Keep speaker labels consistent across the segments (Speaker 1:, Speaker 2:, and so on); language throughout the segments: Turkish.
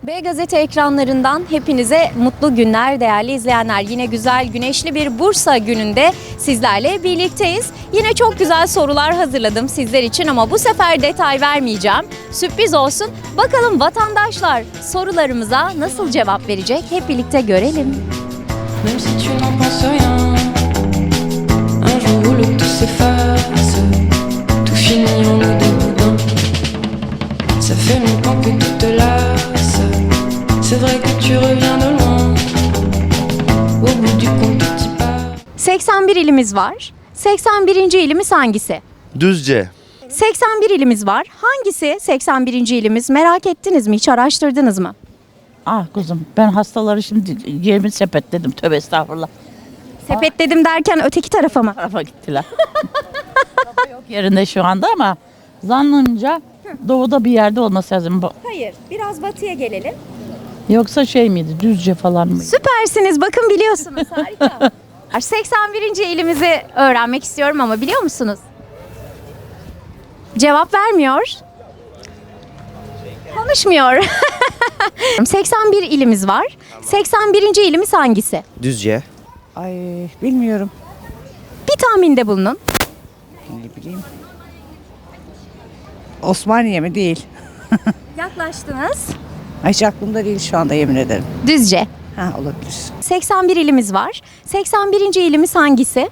Speaker 1: B Gazete ekranlarından hepinize mutlu günler değerli izleyenler. Yine güzel güneşli bir Bursa gününde sizlerle birlikteyiz. Yine çok güzel sorular hazırladım sizler için ama bu sefer detay vermeyeceğim. Sürpriz olsun. Bakalım vatandaşlar sorularımıza nasıl cevap verecek? Hep birlikte görelim.
Speaker 2: Même si tu n'en penses rien, un jour où l'eau tout s'efface, tout finit en eau de boudin. Ça fait longtemps que tout te lasse, c'est vrai que tu reviens de loin. Au bout du compte tu pars.
Speaker 1: 81 ilimiz var. 81. ilimiz hangisi?
Speaker 3: Düzce.
Speaker 1: 81 ilimiz var. Hangisi 81. ilimiz? Merak ettiniz mi? Hiç araştırdınız mı?
Speaker 4: Ah kuzum ben hastaları şimdi yerimi sepetledim. Tövbe estağfurullah.
Speaker 1: Sepetledim derken öteki tarafa mı?
Speaker 4: Tarafa gittiler. Baba yok yerinde şu anda ama zannımca doğuda bir yerde olması lazım.
Speaker 1: Hayır. Biraz batıya gelelim.
Speaker 4: Yoksa şey miydi Düzce falan mıydı?
Speaker 1: Süpersiniz. Bakın biliyorsunuz. Harika. 81. ilimizi öğrenmek istiyorum ama biliyor musunuz? Cevap vermiyor. Konuşmuyor. 81 ilimiz var. 81. ilimiz hangisi?
Speaker 3: Düzce.
Speaker 5: Ay bilmiyorum.
Speaker 1: Bir tahminde bulunun.
Speaker 5: Ne bileyim. Osmaniye mi? Değil.
Speaker 1: Yaklaştınız.
Speaker 5: Hiç aklımda değil şu anda yemin ederim.
Speaker 1: Düzce.
Speaker 5: Ha olabilir.
Speaker 1: 81 ilimiz var. 81. ilimiz hangisi?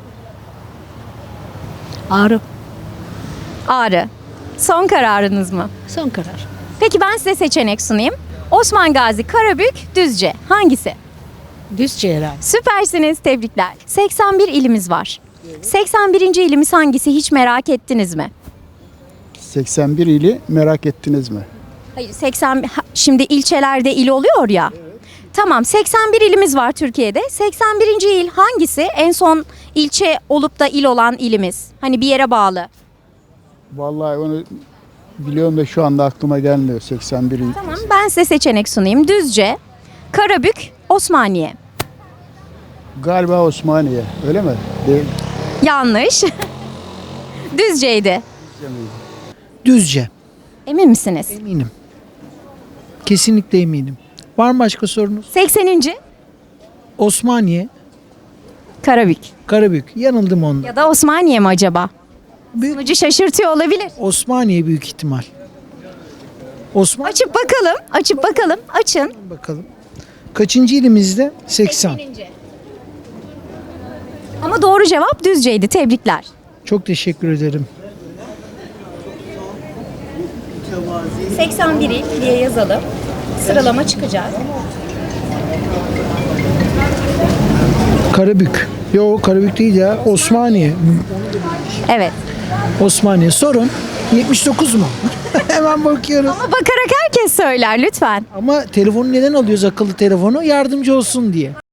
Speaker 6: Ağrı.
Speaker 1: Ağrı. Son kararınız mı?
Speaker 6: Son karar.
Speaker 1: Peki ben size seçenek sunayım. Osman Gazi, Karabük, Düzce. Hangisi?
Speaker 6: Düzce herhalde.
Speaker 1: Süpersiniz, tebrikler. 81 ilimiz var. 81. ilimiz hangisi hiç merak ettiniz mi?
Speaker 7: 81 ili merak ettiniz mi?
Speaker 1: Hayır, şimdi ilçelerde il oluyor ya. Tamam, 81 ilimiz var Türkiye'de. 81. il hangisi? En son ilçe olup da il olan ilimiz. Hani bir yere bağlı.
Speaker 7: Vallahi onu biliyorum da şu anda aklıma gelmiyor 81 il.
Speaker 1: Tamam, ben size seçenek sunayım. Düzce, Karabük, Osmaniye.
Speaker 7: Galiba Osmaniye, öyle mi? Değil.
Speaker 1: Yanlış. Düzce'ydi.
Speaker 8: Düzce.
Speaker 1: Emin misiniz?
Speaker 8: Eminim. Kesinlikle eminim. Var mı başka sorunuz?
Speaker 1: 80.
Speaker 8: Osmaniye,
Speaker 1: Karabük.
Speaker 8: Karabük. Yanıldım onda.
Speaker 1: Ya da Osmaniye mi acaba?
Speaker 8: Büyük-
Speaker 1: Sunucu şaşırtıyor olabilir.
Speaker 8: Osmaniye büyük ihtimal. Osman
Speaker 1: Açıp bakalım. Açıp bakalım. Açın.
Speaker 8: bakalım. Kaçıncı ilimizde? 80.
Speaker 1: Ama doğru cevap Düzce'ydi. Tebrikler.
Speaker 8: Çok teşekkür ederim.
Speaker 1: 81 il diye yazalım. Sıralama çıkacak.
Speaker 8: Karabük. Yok Karabük değil ya. Osmaniye.
Speaker 1: Evet.
Speaker 8: Osmaniye. Sorun. 79 mu? Hemen bakıyorum.
Speaker 1: Ama bakarak herkes söyler lütfen.
Speaker 8: Ama telefonu neden alıyoruz akıllı telefonu? Yardımcı olsun diye.